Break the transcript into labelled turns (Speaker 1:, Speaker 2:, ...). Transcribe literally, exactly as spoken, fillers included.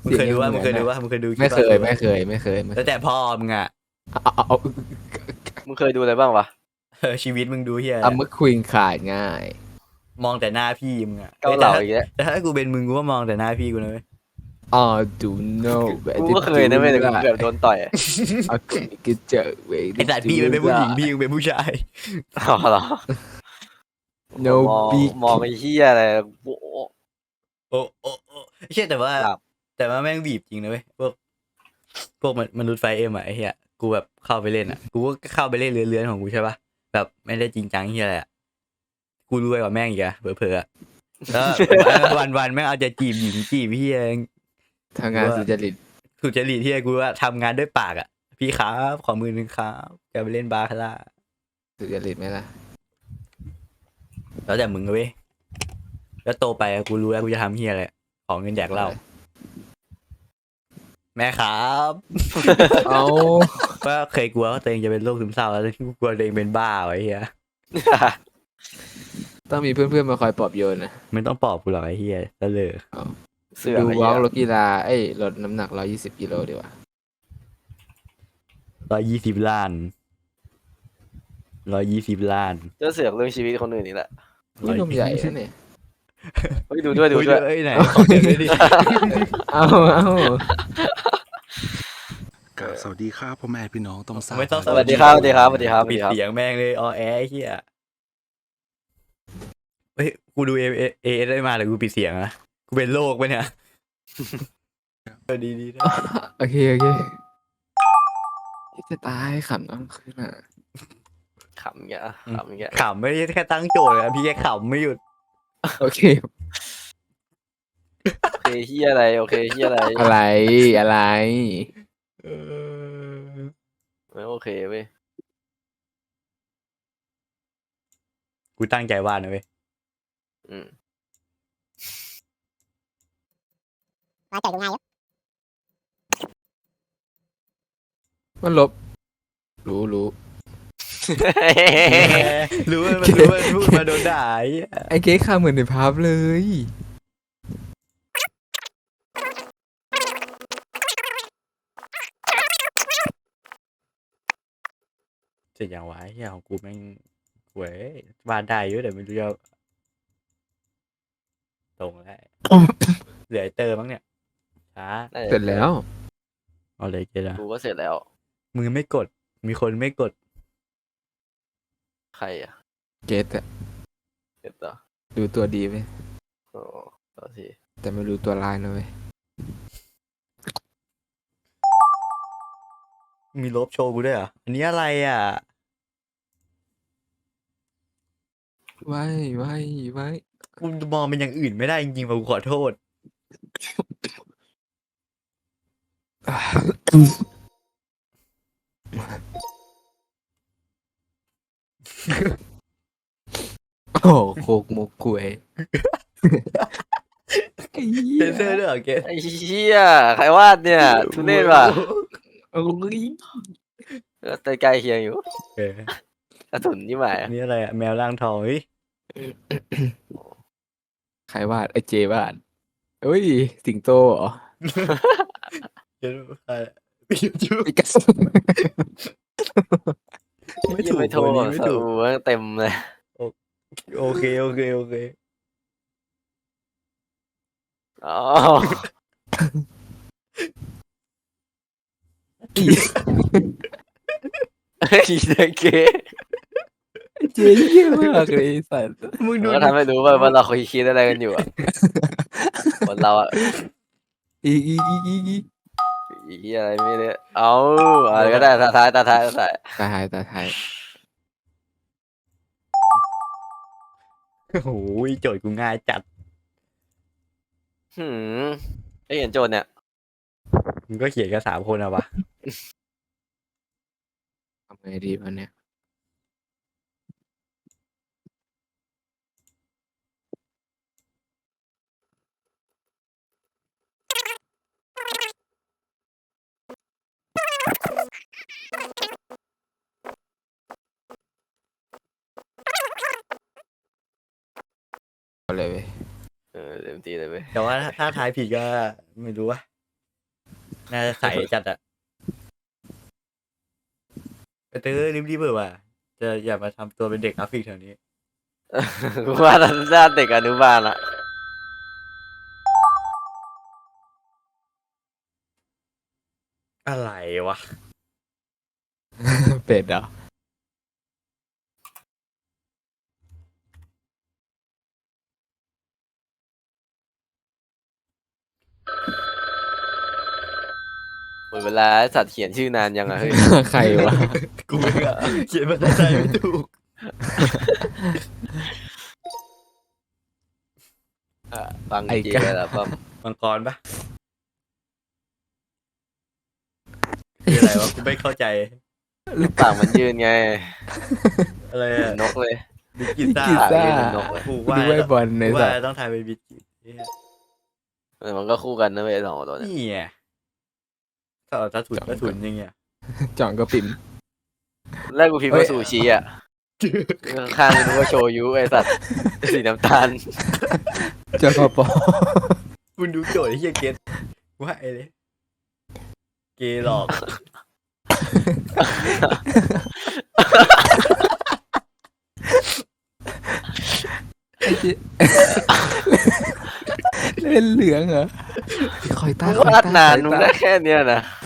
Speaker 1: มึงเคยดูว่ามึงเคยดูว่ามึงเคยดู
Speaker 2: ไม่เคยไม่เคยไม่เคย
Speaker 1: แล้วแต่พ่อมึงอ่ะ
Speaker 3: มึงเคยดูอะไรบ้างวะ
Speaker 1: เออชีวิตมึงดูเฮีย
Speaker 2: เอาเมื่อคุยขาดง่าย
Speaker 1: มองแต่หน้าพี่มึงอ่ะ
Speaker 3: เกาเหลาอีกแล้ว
Speaker 1: แต่ถ้ากูเป็นมึงกูก็มองแต่หน้าพี่กูนะเว้ย
Speaker 2: อ๋อดูโน่
Speaker 3: กูก็เคยนะเว้ยแต่กูแบบโดนต่อย
Speaker 2: เอากิเจอเว้ย
Speaker 1: ไอ้สัตว์พี่มันเป็นผู้หญิงพี่มึงเป็นผู้ชาย
Speaker 3: อ๋อเหรอ
Speaker 2: no
Speaker 3: มอง
Speaker 2: big
Speaker 3: มองไอ้เหี้ยอะไรโอ้
Speaker 1: โอ้โอ้โอ้เชื่อแต่ว่าแต่ว่าแม่งบีบจริงนะเว้ยพวกพวกมนุษย์ไฟเอ็มอะไอ้เหี้ยกูแบบเข้าไปเล่นอะกูก็เข้าไปเล่นเลื้อนๆของกูใช่ปะแบบไม่ได้จริงจังเหี้ยอะไรอะกูรวยกว่าแม่งอีกอะเผลอๆอะแล้ววันวันๆแม่งเอาจะจีบหญิงจีบเหี้ย
Speaker 2: ทำงานสุจริต
Speaker 1: สุจริตเหี้ยกูว่าทำงานด้วยปากอะพี่ครับขอมือหนึ่งครับจะไปเล่นบาคาร่า
Speaker 2: สุจริตไหมล่ะ
Speaker 1: แล้วแต่มึงเว้ยแล้วโตไปกูรู้แล้วกูจะทำเหี้ยอะไรขอเงินแดกเหล้าแม่ครับ
Speaker 2: เอา
Speaker 1: ก็เคยกลัวว่าตัวเองจะเป็นโรคซึมเศร้าแล้วกลัวตัวเองเป็นบ้าไว้เฮีย
Speaker 2: ต้องมีเพื่อนๆมาคอยปลอบโยนนะ
Speaker 1: ไม่ต้องปลอบกูหรอกไอ้เฮียตะเลย
Speaker 2: ดูวอล์กรถกีฬาเอ้ยลดน้ำหนักร้อยยี่สิบกิโลดีกว่า
Speaker 1: ร้อยยี่สิบล้านร้อยยี่สิบล้าน
Speaker 3: จะเสือกเรื่องชีวิตคนอื่นนี่แหละ
Speaker 2: นี่นมใหญ่นะเนี่ย
Speaker 3: เฮ้ยดูด้วยดูด้วย
Speaker 1: เอ้ยไหนขอเดี๋ยวด้วยดิ
Speaker 2: เอาเอา
Speaker 4: สวัสดีครับพ่อแม่พี่น้องต้องทราบ
Speaker 1: ไม่ต้อง
Speaker 3: สวัสดีครับสวัสดีครับสวัสดีครับ
Speaker 1: ปิดเสียงแม่งเลยออแอไอ้เฮียเฮ้ยกูดูเอเอเอได้มาแต่กูปิดเสียงนะกูเป็นโรคปะเนี่ยเออดีดีนะ
Speaker 2: โอเคโอเคจะตายขำน้ำขึ้นอ่ะ
Speaker 3: ขำเงี้ยขำเงี้ย
Speaker 1: ขำไม่ใช่แค่ตั้งโจทย์นะพี่แค่ขำไม่หยุด
Speaker 2: โอเค
Speaker 3: โอเคเฮียอะไรโอเคเฮียอะไร
Speaker 2: อะไรอะไร
Speaker 1: เออ
Speaker 3: ไม่โอเคเว้ย
Speaker 1: กูตั้งใจวาดนะเว้ย
Speaker 3: อืม
Speaker 5: วาดใจดูง่ายอยู่
Speaker 2: มันลบรู้รู้
Speaker 1: รู้ว่ามันรู้ว่าพูดมาโดนด่า
Speaker 2: ไอ้เก๊กข้าเหมือนในภาพเลย
Speaker 1: เสร็จอย่างวะเฮียของกูแม่งเว้ยวาดได้เยอะแต่ไม่รู้จะตรงแล้วเหลือไอเตอร์มั้งเนี่ยช้า
Speaker 2: เสร็จแล้ว
Speaker 1: เอาเลยเกล้า
Speaker 3: กูก็เสร็จแล้ว
Speaker 1: มึงไม่กดมีคนไม่กด
Speaker 3: ใครอ่ะ
Speaker 2: เกตอะ
Speaker 3: เสร็จแล้ว
Speaker 2: ดูตัวดีไหม
Speaker 3: โอ้ต่อที
Speaker 2: แต่ไม่รู้ตัวลายนะเว้ย
Speaker 1: มีลบโชว์กูด้วยอ่ะอันนี้อะไรอ่ะ
Speaker 2: ไว้ไว้ไว้
Speaker 1: กูมองเป็นอย่างอื่นไม่ได้จริงๆป่ะกูขอโทษ
Speaker 2: โอ้โคกมุกคุย
Speaker 1: เซนเซอร์ด้วยเหรอเกศ
Speaker 3: ไอ้เฮียใครวาดเนี่ยทุเรศว่ะ
Speaker 2: โอ้ย
Speaker 3: แต่ใกล้เคียงอยู่
Speaker 1: เอ
Speaker 3: กระสุนยี่หมาย
Speaker 1: นี่อะไรอ่ะแมวร่างทองเฮ้ย
Speaker 2: ใครวาดไอ้เจวาดเฮ้ยสิงโตเหรอ
Speaker 1: เดี๋ยวใครปิจู
Speaker 2: ปิกัส
Speaker 1: ไม่ถูก
Speaker 3: ไม่ถูกไม่ถูกเต็มเลย
Speaker 1: โอเคโอเคโอเค
Speaker 3: อ๋อไอ้เด็กเก๋
Speaker 2: เจ๊เยี่ยมากเลยสัตว์
Speaker 3: มึงดูทำให้รู้ว่าว่าเราคุยคิดอะไรกันอยู่อ่ะคนเราอ่ะ
Speaker 2: อีอีอีอีอี
Speaker 3: อีอะไรไม่ได้เอาอะไรก็ได้ตาท้ายตาท้ายตาท้าย
Speaker 2: ตาท้ายตาท้าย
Speaker 1: โอ้โหโจทย์กูง่ายจัด
Speaker 3: หืมไอ้เห็นโจทย์เนี่ย
Speaker 1: มึงก็เขียนกันสามคนอะวะ
Speaker 2: ทำไงดีวันเนี้ยเลยเว้ย
Speaker 3: เออเต็มที่เลยเว้ย
Speaker 1: แต่ว่าถ้าทายผิดก็ไม่รู้ว่าน่าจะใสจัดอะไปเตอร์รีบๆเถอะว่ะจะอย่ามาทำตัวเป็นเด็กกราฟิกแถวนี้
Speaker 3: กูว่าด้านเด็กอนุบาลอะ
Speaker 1: อะไรวะ
Speaker 2: เป็ดเหรอ
Speaker 3: หมดเวลาไอ้สัตว์เขียนชื่อนานยังอะเฮ้ย
Speaker 2: ใครวะ
Speaker 1: กูไม่อะเขียนภาษาไทยไม่ถูก
Speaker 3: อ่ะฟัง
Speaker 2: ไอ้
Speaker 3: จริง
Speaker 2: กะ
Speaker 3: เลยล่ะป้อม
Speaker 1: มังกรปะคืออะไรวะกูไม่เข้าใจ
Speaker 3: ปากมันยืนไง
Speaker 1: อะไร
Speaker 3: เหมื
Speaker 1: อะ
Speaker 3: อนนกเลย
Speaker 1: บิสกิต้า
Speaker 2: บิสกิต้า
Speaker 3: ปากยืนเหมือนนกเลย
Speaker 1: กู
Speaker 2: กู
Speaker 1: ว่า
Speaker 2: ดูไอ้บอลใน
Speaker 1: กู
Speaker 2: สั
Speaker 1: ว่า
Speaker 2: ตว์
Speaker 1: ต้องทายเป็นบิสกิตเนี่ย
Speaker 3: เออมันก็คู่กันนะเว้ยสองตัวเนี่ย
Speaker 1: นี่ไงถ้าเอาถ้าถุนถ้าถุนอยังเงี้ย
Speaker 2: จ่องก็ปิ่ม
Speaker 3: แรกกูพิมพ์ว่าซูชิอ่ะข้างๆนึกว่าโชยุไอสัตว์สีน้ำตาล
Speaker 2: เจ้าพ่อปอ
Speaker 1: คุณดูโจทย์ไอ้เฮียเกตว่าไอ้เลยเกย์หลอก
Speaker 2: ไอ้เจ๊เล่นเหลืองเหรอคอยตา
Speaker 3: มึง
Speaker 2: คอยว
Speaker 3: าด
Speaker 2: ตาน
Speaker 3: าน
Speaker 2: คอย
Speaker 3: มึง
Speaker 2: ตา
Speaker 3: ได้แค่เนี้ยนะ